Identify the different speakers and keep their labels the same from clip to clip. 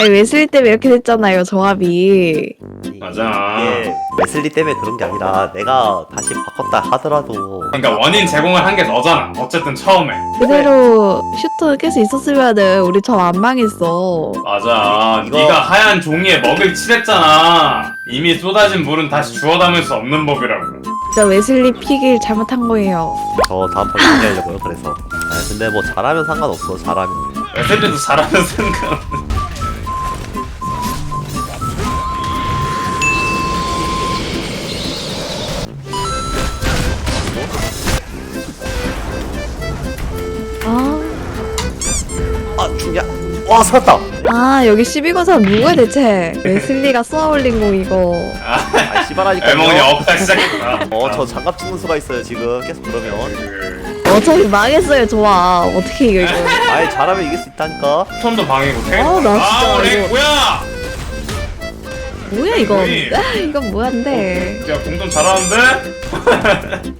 Speaker 1: 아니 웨슬리 때문에 이렇게 됐잖아요 조합이.
Speaker 2: 맞아.
Speaker 3: 이게 웨슬리 때문에 그런 게 아니라 내가 다시 바꿨다 하더라도
Speaker 2: 그러니까 원인 제공을 한 게 너잖아. 어쨌든 처음에.
Speaker 1: 그대로 슈터 계속 있었으면은 우리 저 안 망했어.
Speaker 2: 맞아.
Speaker 3: 이거-
Speaker 2: 네가 하얀 종이에 먹을 칠했잖아. 이미 쏟아진 물은 다시 주워 담을 수 없는 법이라고.
Speaker 1: 진짜 웨슬리 픽을 잘못한 거예요.
Speaker 3: 저 다음 판 준비하려고요. 그래서 근데 뭐 잘하면 상관없어. 잘하면
Speaker 2: 웨슬리도 잘하는 생각.
Speaker 1: 아,
Speaker 3: 죽냐? 와 살았다.
Speaker 1: 아 여기 12권사 누구야 대체? 웨슬리가 쏘아올린 거 이거.
Speaker 3: 아 씨발하니까.
Speaker 2: 엘몽이 업다 시작했다.
Speaker 3: 저 장갑 찍는 수가 있어요 지금 계속 그러면.
Speaker 1: 어차피 망했어요 조합. 어떻게 이겨 이거?
Speaker 3: 아예 잘하면 이길 수 있다니까.
Speaker 2: 톤도 방이고 탱.
Speaker 1: 아, 나 진짜
Speaker 2: 우리
Speaker 1: 이거-
Speaker 2: 뭐야?
Speaker 1: 뭐야 이건?
Speaker 2: 뭐니?
Speaker 1: 이건 뭐한데?
Speaker 2: 야 공돈 잘하는데?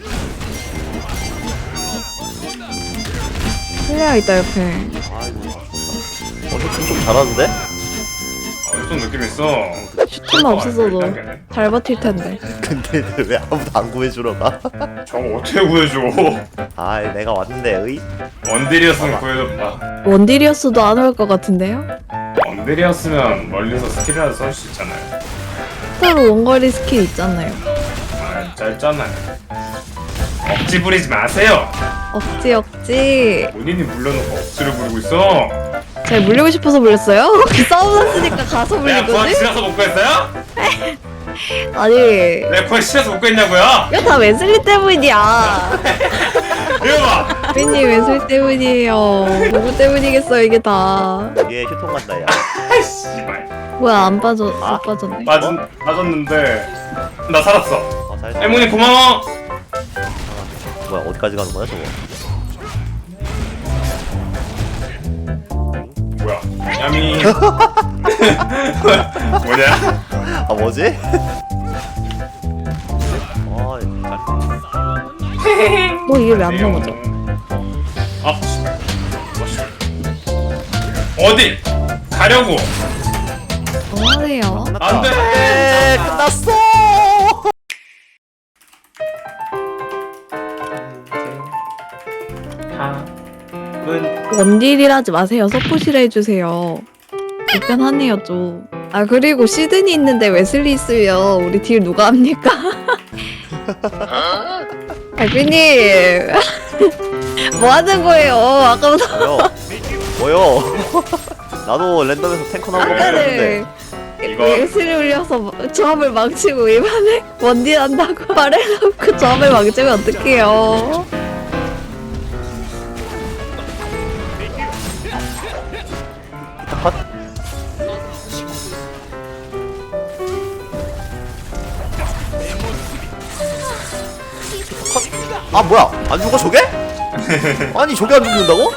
Speaker 1: 플레이어 있다 옆에.
Speaker 3: 아이고. 좀 잘하는데?
Speaker 2: 좀 느낌 있어.
Speaker 1: 슈터만 없었어도 잘 버틸 텐데.
Speaker 3: 근데 왜 아무도 안 구해주러 가?
Speaker 2: 저거 어떻게 구해줘?
Speaker 3: 아 내가 왔는데 의?
Speaker 2: 원딜이었으면 구해줬다.
Speaker 1: 원딜이었어도 안 올 것 같은데요?
Speaker 2: 원딜이었으면 멀리서 스킬이라도 쏠 수 있잖아요.
Speaker 1: 슈터로 원거리 스킬 있잖아요.
Speaker 2: 아, 짧잖아요. 억지 부리지 마세요.
Speaker 1: 억지.
Speaker 2: 본인이 물려놓고 억지를 부리고 있어.
Speaker 1: 제가 물리고 싶어서 물렸어요? 싸움 났으니까 가서 물린
Speaker 2: 내가 구하기
Speaker 1: 거지?
Speaker 2: 싫어서 못 구했어요?
Speaker 1: 아니
Speaker 2: 내가 구하기 싫어서 못 구했냐고요?
Speaker 1: 이거 다 웨슬리 때문이야.
Speaker 2: 이거 봐.
Speaker 1: 빈님 웨슬리 때문이에요. 누구 때문이겠어요 이게 다.
Speaker 3: 얘 휴통 간다 야.
Speaker 2: 아이 씨발.
Speaker 1: 뭐야 안 빠졌네.
Speaker 2: 빠졌는데 나 살았어.
Speaker 3: 잘했어.
Speaker 2: 에모니 고마워.
Speaker 3: 뭐야 어디까지 가는 거야 저거?
Speaker 2: 뭐야? 야미. 뭐냐?
Speaker 3: 아 뭐지?
Speaker 1: 뭐 이게 왜 안 넘어져?
Speaker 2: 아 씨발. 어디? 가려고.
Speaker 1: 뭐하세요?
Speaker 2: 안 돼.
Speaker 3: 네, 끝났어.
Speaker 1: 원딜이라 하지 마세요. 서포시라 해주세요. 불편하네요 좀. 아 그리고 시드니 있는데 웨슬리 있으면 우리 딜 누가 합니까? 알비님 뭐 하는 거예요? 아까부터
Speaker 3: 뭐요? 나도 랜덤에서 탱커 나온 거
Speaker 1: 아까는
Speaker 3: 봤는데.
Speaker 2: 이거-
Speaker 1: 웨슬리 올려서 조합을 망치고 이번에 원딜 한다고 말해놓고 조합을 망치면 어떡해요?
Speaker 3: 컷. 아 뭐야? 안 죽어 저게? 아니 저게 안 죽는다고?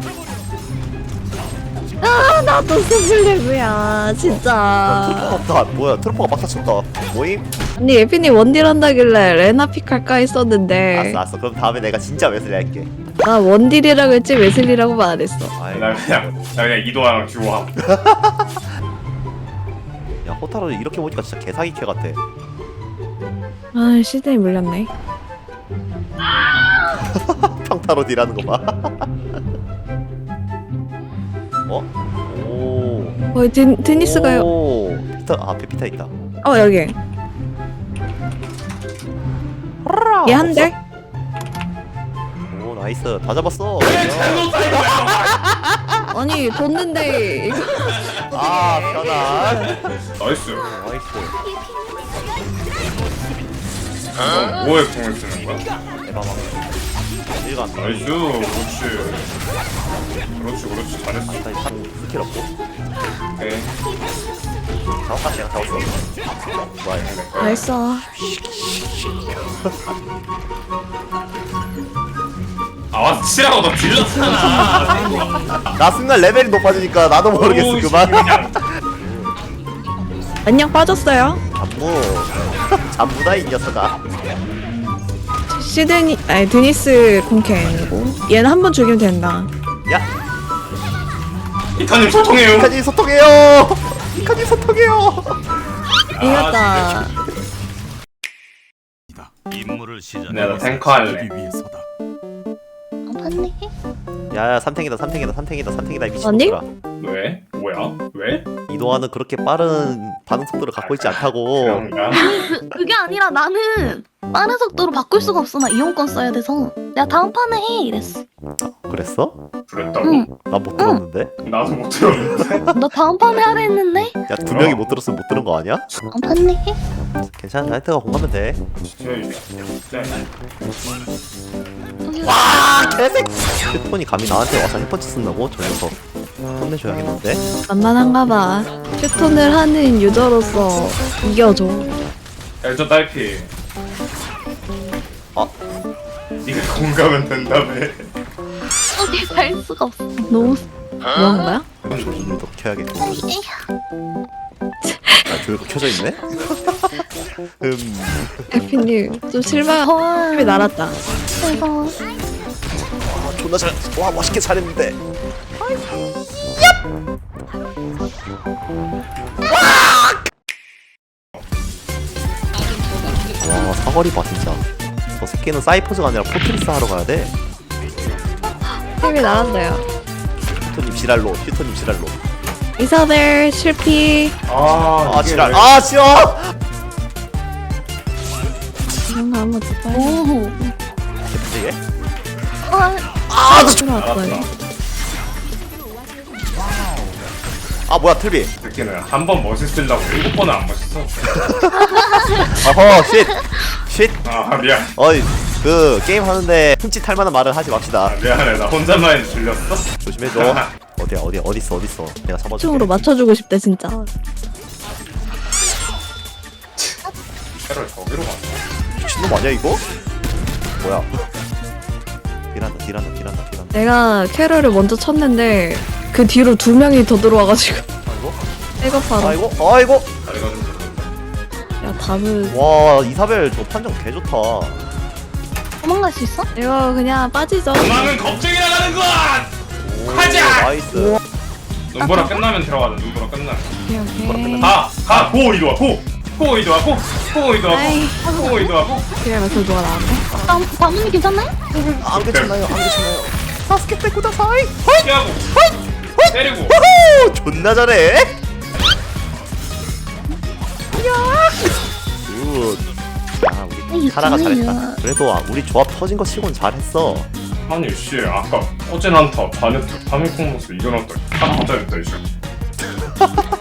Speaker 1: 아 나도 스플래그야
Speaker 3: 트로퍼가
Speaker 1: 진짜.
Speaker 3: 없다. 뭐야? 트로퍼가 막타 쳤다. 모임?
Speaker 1: 아니 예빈이 원딜 한다길래 레나픽 할까 했었는데
Speaker 3: 알았어. 그럼 다음에 내가 진짜 웨슬리 할게.
Speaker 1: 나 원딜이라고 했지 웨슬리라고만 안 했어.
Speaker 3: 아이,
Speaker 2: 나 그냥 이도랑 듀오함.
Speaker 3: 야 호타로 이렇게 보니까 진짜 개사기 캐 같아.
Speaker 1: 아 시드니 물렸네.
Speaker 3: 평타로 딜하는 거 봐. 어? 오.
Speaker 1: 거의 드니스가요.
Speaker 3: 오. 피타 앞에 피타 있다.
Speaker 1: 여기 얘 한 대?
Speaker 3: 오 나이스 다 잡았어.
Speaker 2: 잘못 사인 거야.
Speaker 1: 아니 뒀는데 이거
Speaker 3: 아 편안.
Speaker 2: 나이스.
Speaker 3: 나이스.
Speaker 2: 너 뭐에 공을 쓰는 거야?
Speaker 3: 대박왕. 일간.
Speaker 2: 나이스. 그렇지. 잘했어.
Speaker 3: 일단 상 스킬 없고.
Speaker 2: 오케이.
Speaker 3: 잡았다 내가 잡았어. 뭐야?
Speaker 1: 알았어.
Speaker 2: 아 와서 치라고 너 딜렀잖아.
Speaker 3: 나 순간 레벨이 높아지니까 나도 모르겠어
Speaker 2: 오우,
Speaker 3: 그만.
Speaker 2: 그냥.
Speaker 1: 안녕 빠졌어요.
Speaker 3: 잠무. 잠무다 이 녀석아.
Speaker 1: 시드니 아니 드니스 공캔이고 얘는 한 번 죽이면 된다.
Speaker 3: 야.
Speaker 2: 이카님 소통해요.
Speaker 3: 이카님 소통해요. 이카님 소통해요.
Speaker 1: 이겼다.
Speaker 4: 임무를 시작.
Speaker 2: 내가 탱커 할래.
Speaker 4: 위해서다.
Speaker 5: 봤네.
Speaker 3: 야야 삼탱이다 이 미친
Speaker 1: 아니?
Speaker 3: 놈들아.
Speaker 2: 왜? 뭐야? 왜?
Speaker 3: 이동하는 그렇게 빠른 반응 속도를 갖고 있지 않다고.
Speaker 2: 그런가?
Speaker 5: 그게 아니라 나는 빠른 속도로 바꿀 수가 없어. 나 이용권 써야 돼서. 내가 다음 판에 해 이랬어.
Speaker 3: 그랬어?
Speaker 2: 그랬다고?
Speaker 5: 응.
Speaker 3: 난 못 들었는데.
Speaker 2: 나도 못 들었는데.
Speaker 5: 나 다음 판에 하라 했는데.
Speaker 3: 야 두 명이 못 들었으면 못 들은 거 아니야?
Speaker 5: 다음 판에 해.
Speaker 3: 괜찮아. 하여튼가 공하면 돼.
Speaker 2: 와!
Speaker 3: 개색. 휴톤이 감히 나한테 와서 햇펀치 쓴다고? 저 녀석 혼내줘야겠는데.
Speaker 1: 만만한가 봐. 휴톤을 하는 유저로서 이겨줘.
Speaker 2: 엘저 딸피.
Speaker 3: 아.
Speaker 2: 네가 공감은 된다며.
Speaker 5: 어디 갈 수가 없어.
Speaker 1: 너무 뭐한 거야?
Speaker 3: 조율도 켜야겠고. 아 조율도 켜져 있네.
Speaker 1: 에피님 좀 실망이
Speaker 5: 헐.
Speaker 1: 날았다.
Speaker 5: 그래서
Speaker 3: 존나 잘. 와 멋있게 잘했는데. 와 사거리 봐 진짜. 저 새끼는 사이퍼즈가 아니라 포트리스 하러 가야 돼.
Speaker 1: 힘이 날았어요.
Speaker 3: 휴토님 지랄로.
Speaker 1: 이사벨 실패.
Speaker 2: 아,
Speaker 3: 아
Speaker 2: 이게
Speaker 3: 지랄.
Speaker 2: 왜-
Speaker 3: 아 싫어.
Speaker 1: 이런 거 한번 듣자.
Speaker 5: 오.
Speaker 3: 이게?
Speaker 1: 들어왔어요.
Speaker 3: 아 뭐야 틀비.
Speaker 2: 새끼는 한 번 멋있으려고 7번은 안 멋있어.
Speaker 3: 어허 쉿.
Speaker 2: 아, 미안.
Speaker 3: 어이 그 게임 하는데 흠칫할 만한 말을 하지 맙시다.
Speaker 2: 아, 미안해. 나 혼자만 들렸어?
Speaker 3: 조심해줘. 어딨어. 내가 잡아줄게.
Speaker 1: 총으로 맞춰주고 싶다 진짜.
Speaker 2: 캐럴 저기로 갔어.
Speaker 3: 미친놈 아니야 이거? 뭐야? 딜한다.
Speaker 1: 내가 캐럴을 먼저 쳤는데 그 뒤로 2명이 더 들어와가지고
Speaker 3: 아이고.
Speaker 1: 백업하러.
Speaker 3: 아이고.
Speaker 2: 다리가 좀 들었는데.
Speaker 1: 야 답은
Speaker 3: 와 이사벨 저 판정 개 좋다.
Speaker 5: 도망갈 수 있어?
Speaker 1: 이거 그냥 빠지죠.
Speaker 2: 도망은 겁쟁이 나가는 것!
Speaker 3: 오,
Speaker 2: 가자!
Speaker 3: 나이스.
Speaker 2: 눈보라 끝나면 들어가자. 눈보라 끝나면.
Speaker 1: 오케이, 오케이.
Speaker 2: 가! 고 이리와 고! 고 이리와 고! 고 이리와
Speaker 1: 아이.
Speaker 2: 고! 고 이리와 고!
Speaker 1: 그래 맞춰줘가 나한테.
Speaker 5: 다문이 괜찮나요?
Speaker 3: 안 괜찮아요. 사스케 때꾸다 사이.
Speaker 2: 피하고! 때리고!
Speaker 3: 오 존나 잘해. 굿. 야 우리 카라가 잘했다. 그래도 우리 조합 터진 거 치곤 잘했어.
Speaker 2: 아니 씨 아까 어제 난타 바네트 파밀콩 모습 이겨놨다 다 맞아냈다 이씨